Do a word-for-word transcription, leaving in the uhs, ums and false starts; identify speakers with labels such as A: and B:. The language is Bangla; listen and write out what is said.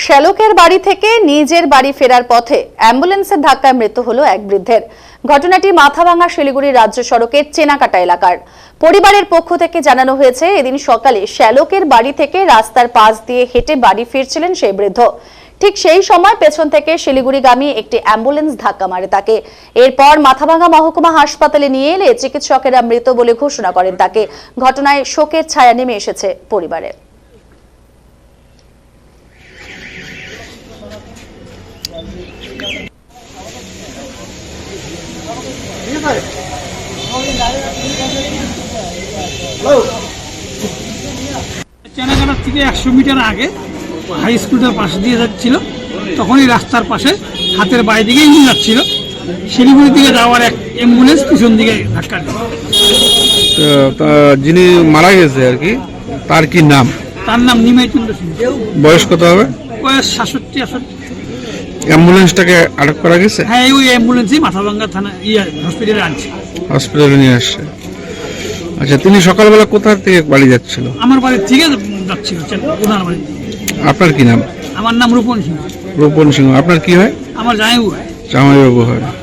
A: শ্যালকের বাড়ি থেকে নিজের বাড়ি ফেরার পথে অ্যাম্বুলেন্সের ধাক্কায় মৃত্যু হলো এক বৃদ্ধের। ঘটনাটি মাথাভাঙা শিলিগুড়ি রাজ্য সড়কের চেনাকাটা এলাকার। পরিবারের পক্ষ থেকে জানানো হয়েছে, এদিন সকালে শ্যালকের বাড়ি থেকে রাস্তার পাশ দিয়ে হেঁটে বাড়ি ফিরছিলেন সেই বৃদ্ধ। ঠিক সেই সময় পেছন থেকে শিলিগুড়িগামী একটি অ্যাম্বুলেন্স ধাক্কা মারে তাকে। এরপর মাথাভাঙা মহকুমা হাসপাতালে নিয়ে এলে চিকিৎসকেরা মৃত বলে ঘোষণা করেন তাকে। ঘটনায় শোকের ছায়া নেমে এসেছে পরিবারে।
B: চেনাকাটার থেকে একশো মিটার আগে হাই স্কুলটার পাশে দিয়ে যাচ্ছিল, তখনই রাস্তার পাশে হাতের বাইরে দিকে ইঞ্জিন যাচ্ছিল। শিলিগুড়ি দিকে যাওয়ার এক অ্যাম্বুলেন্স পিছন দিকে ধাক্কা দেয়।
C: যিনি মারা গেছে আর কি, তার কি নাম?
B: তার নাম নিমাই চন্দ্র সিং।
C: বয়স কত হবে?
B: বয়স সাতষট্টি আষট্টি।
C: অ্যাম্বুলেন্সটাকে আটক করা গেছে?
B: হ্যাঁ, ওই অ্যাম্বুলেন্সই মাথাভাঙ্গা থানা ইয়ে হসপিটালে আনছে।
C: হসপিটালে নিয়ে আসছে। আচ্ছা, তিনি সকালবেলা কোথা থেকে বাড়ি যাচ্ছিল?
B: আমার বাড়ির থেকে যাচ্ছিল ওনার বাড়ি।
C: আপনার কি নাম?
B: আমার নাম রূপন সিং।
C: রূপন সিংহ। আপনার কি হয়?
B: আমার জামাইবাবু হয়।
C: জামাইবাবু হয়।